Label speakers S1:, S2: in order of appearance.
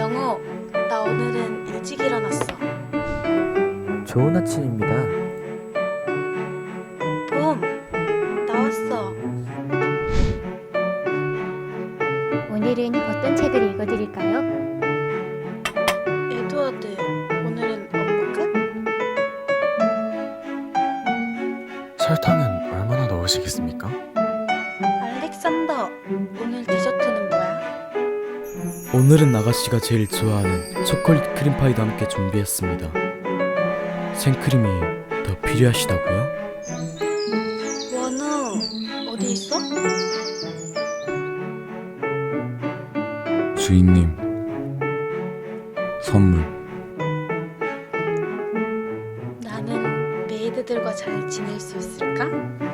S1: 정우, 나 오늘은 일찍 일어났어.
S2: 좋은 아침입니다.
S1: 봄, 나왔어.
S3: 오늘은 어떤 책을 읽어드릴까요?
S1: 에드워드, 오늘은 업무 끝?
S4: 설탕은 얼마나 넣으시겠습니까?
S1: 알렉산더, 오늘 디저트는 뭐야?
S5: 오늘은 아가씨가 제일 좋아하는 초콜릿 크림파이도 함께 준비했습니다. 생크림이 더 필요하시다고요?
S1: 원우, 어디 있어?
S4: 주인님, 선물.
S1: 나는 메이드들과 잘 지낼 수 있을까?